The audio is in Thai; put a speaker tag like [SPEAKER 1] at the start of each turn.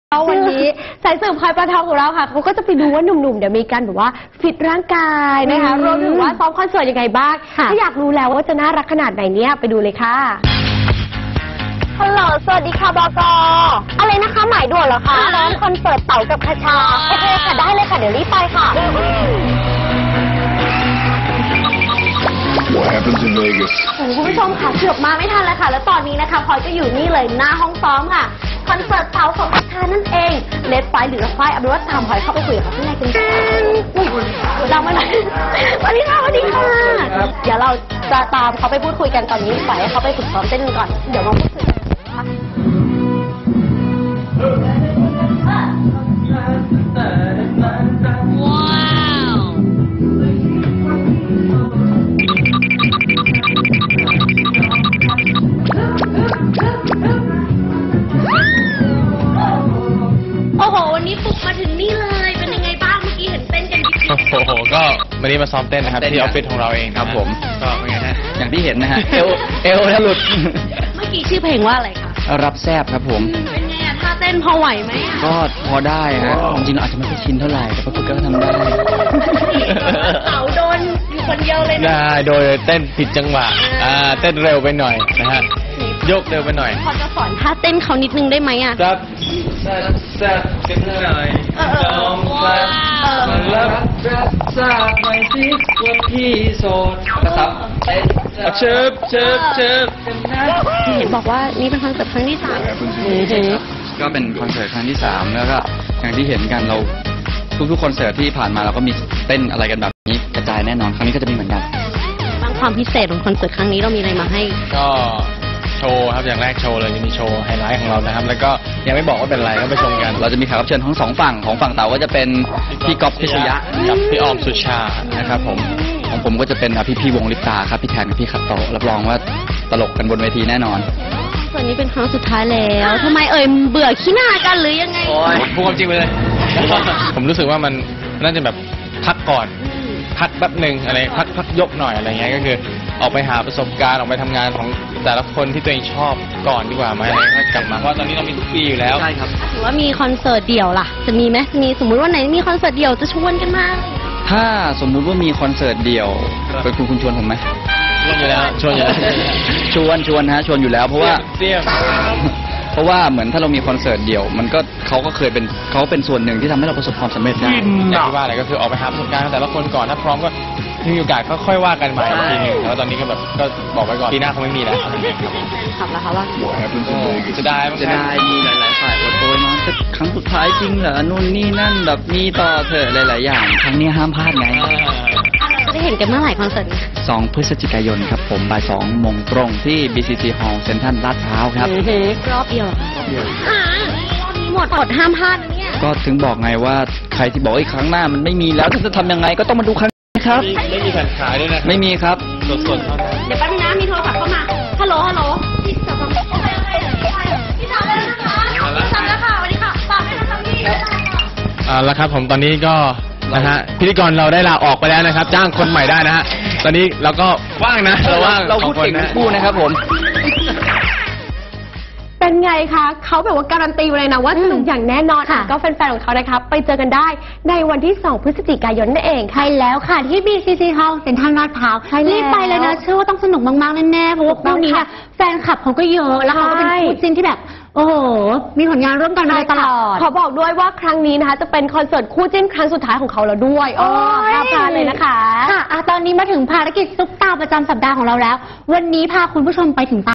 [SPEAKER 1] วันนี้สายสืบพลอยประทองของเราค่ะเขาก็จะไปดูว่าหนุ่มๆเดี๋ยวมีการแบบว่าฟิตร่างกายนะคะรวมถึงว่าซ้อมคอนเสิร์ตยังไงบ้างถ้าอยากรู้แล้วว่าจะน่ารักขนาดไหนเนี่ยไปดูเลยค่ะฮัลโหลสวัสดีค่ะบก.อะไรนะคะหมายด่วนเหรอคะร้องคอนเสิร์ตเต๋ากับคชาโอเคค่ะได้เลยค่ะเดี๋ยวรีบไปค่ะ
[SPEAKER 2] What happens in Vegas
[SPEAKER 1] คุณผู้ชมค่ะเกือบมาไม่ทันแล้วค่ะแล้วตอนนี้นะคะพลอยก็อยู่นี่เลยหน้าห้องซ้อมค่ะคอนเสิร์ตเต๋าของคชานั่นเองเลดไฟหรือไฟเอาเป็นว่าตามพลอยเข้าไปคุยกับเขาข้างในกันเรามาหน่อยสวัสดีค่ะสวัสดีค่ะเดี๋ยวเราจะตามเขาไปพูดคุยกันตอนนี้ปล่อยให้เขาไปฝึกซ้อมเต้นกันก่อนเดี๋ยวมาพูดคุยกันโอ้โหวันนี้ปลุกมาถึงนี่เลยเป็นยังไงบ้างเมื่อกี้เห็นเต้นกันโอ้โห
[SPEAKER 3] ก็วันนี้มาซ้อมเต้นนะครับที่ออฟฟิศของเราเองครับผมก็เป็นไงฮะ
[SPEAKER 4] อย่างที่เห็นนะฮะ เอวถ้าหลุด
[SPEAKER 1] เมื่อกี้ชื่อเพลงว่าอะไรคะ
[SPEAKER 4] รับแซบครับผม
[SPEAKER 1] เป็นไงอะท่าเต้นพอไหวไหม
[SPEAKER 4] ก็พอได้ฮะจริงๆเราอาจจะไม่ค่อยชินเท่าไหร่แต่ก็ทำได้
[SPEAKER 1] เต๋าโดนอยู่คนเดียวเลยนะ
[SPEAKER 3] โดยเต้นผิดจังหวะเต้นเร็วไปหน่อยนะฮะยกเร็วไปหน่อย
[SPEAKER 1] พอจะสอนท่าเต้นเขานิดนึงได้ไหมอะ
[SPEAKER 3] ครับแซ่บกันหน่อยจอมแซ่บมารับทราบหน่อยสิว่าพี่โสดนะครับเต้นเชิบกันนะ
[SPEAKER 1] เห็นบอกว่านี่เป็นคอนเสิร์ตครั้งที่3
[SPEAKER 4] ก็เป็นคอนเสิร์ตครั้งที่3แล้วก็อย่างที่เห็นกันเราทุกๆคอนเสิร์ตที่ผ่านมาเราก็มีเต้นอะไรกันแบบนี้กระจายแน่นอนครั้งนี้ก็จะมีเหมือนกัน
[SPEAKER 1] บางความพิเศษของคอนเสิร์ตครั้งนี้เรามีอะไรมาให้
[SPEAKER 3] ก็โชว์ครับอย่างแรกโชว์เลยจะมีโชว์ไฮไลท์ของเรานะครับแล้วก็ยังไม่บอกว่าเป็นอะไรก็ไปชมกัน
[SPEAKER 4] เราจะมีแขกรับเชิญทั้ง2ฝั่งของฝั่งเต๋าก็จะเป็นพี่ก๊อฟพิชยะ
[SPEAKER 3] กับพี่ออมสุชานะครับผม
[SPEAKER 4] ของผมก็จะเป็นพี่วงลิปตาครับพี่แทนกับพี่ขัตโตรับรองว่าตลกกันบนเวทีแน่นอน
[SPEAKER 1] ส่วนนี้เป็นครั้งสุดท้ายแล้วทำไมเบื่อขี้หน้ากันหรือยังไง
[SPEAKER 3] พูดความจริงไปเลยผมรู้สึกว่ามันน่าจะแบบพักก่อนพักแป๊บหนึ่งอะไรพักยกหน่อยอะไรเงี้ยก็คือออกไปหาประสบการณ์ออกไปทำงานของแต่ละคนที่ตัวเองชอบก่อนดีกว่าไหมอะไรก็กลับมาเพราะตอนนี้เรามีทุกปีอยู่แล้ว
[SPEAKER 4] ใช่ครับ
[SPEAKER 1] ถือว่ามีคอนเสิร์ตเดี่ยวล่ะจะมีไหมมีสมมุติว่าไหนมีคอนเสิร์ตเดี่ยวจะชวนกันมา
[SPEAKER 4] ถ้าสมมุติว่ามีคอนเสิร์ตเดี่ยวเป็นคุณชวนผมไหม
[SPEAKER 3] ชวนอยู่แล้วชวน
[SPEAKER 4] ฮะชวนอยู่แล้วเพราะว่าเหมือนถ้าเรามีคอนเสิร์ตเดี่ยวมันก็เขาเป็นส่วนหนึ่งที่ทำให้เราประสบความสำเร็จได้
[SPEAKER 3] อย่างที่ว่าอะไรก็คือออกไปหาประสบการณ์แต่ละคนก่อนถ้าพร้อมก็มีโอกาสก็ค่อยว่ากันใหม่ทีนึงแล้วตอนนี้ก็แบบก็บอกไว้ก่อนปีหน้าคงไม่มีแล้ว
[SPEAKER 1] ขับแล้วคะว่า
[SPEAKER 3] จะได้
[SPEAKER 4] มีหลายฝ่ายอดโอยมาจะครั้งสุดท้ายจริงเหรอนู่นนี่นั่นแบบมีต่อเถอะหลายๆอย่างครั้งนี้ห้ามพลาดไง
[SPEAKER 1] จะได้เห็นกันเมื่อไหร่คอนเสิร์ต
[SPEAKER 4] 2 พฤศจิกายนครับผมบ่าย 2 โมงตรงที่ BCC Hall เซ็นทรัลลาดพร้าวครับ
[SPEAKER 1] รอบเดียวหมดห้ามพลาดนะเนี่ย
[SPEAKER 4] ก็ถึงบอกไงว่าใครที่บอกครั้งหน้ามันไม่มีแล้วจะทำยังไงก็ต้องมาดูครั้งนี้ครับ
[SPEAKER 3] ไม่มีแผ่นขายด้วยนะ
[SPEAKER 4] ไม่มีครับ
[SPEAKER 3] สดๆเท่านั้น
[SPEAKER 1] เดี๋ยวแป๊บนึงนะมีโทรศัพท์เข้ามาฮัลโหลพี่สาวโอเคพี่สาวแล้วนะคะพี่สาวแล้วค่ะสวัสดีค่ะฝากด้วยนะคะพี่
[SPEAKER 3] แล้วครับผมตอนนี้ก็นะฮะพิธีกรเราได้ลาออกไปแล้วนะครับจ้างคนใหม่ได้นะฮะตอนนี้เราก็ว่างนะ
[SPEAKER 4] เราพูดเก่งทั้งคู่นะครับผม
[SPEAKER 1] เป็นไงคะเขาแบบว่าการันตีเลยนะว่าสนุกอย่างแน่นอนก็แฟนๆของเขานะคะไปเจอกันได้ในวันที่2 พฤศจิกายนนั่นเองใช่แล้วค่ะที่ BCC Hall เซ็นทรัลลาดพร้าวรีบไปเลยนะเชื่อว่าต้องสนุกมากๆแน่ๆเพราะว่าคู่นี้แฟนคลับเขาก็เยอะแล้วเขาก็เป็นคู่จิ้นที่แบบโอ้โหมีผลงานร่วมกันมาตลอดขอบอกด้วยว่าครั้งนี้นะคะจะเป็นคอนเสิร์ตคู่จิ้นครั้งสุดท้ายของเขาแล้วด้วยห้ามพลาดเลยนะคะค่ะตอนนี้มาถึงภารกิจซุปตาประจำสัปดาห์ของเราแล้ววันนี้พาคุณผู้ชมไปถึง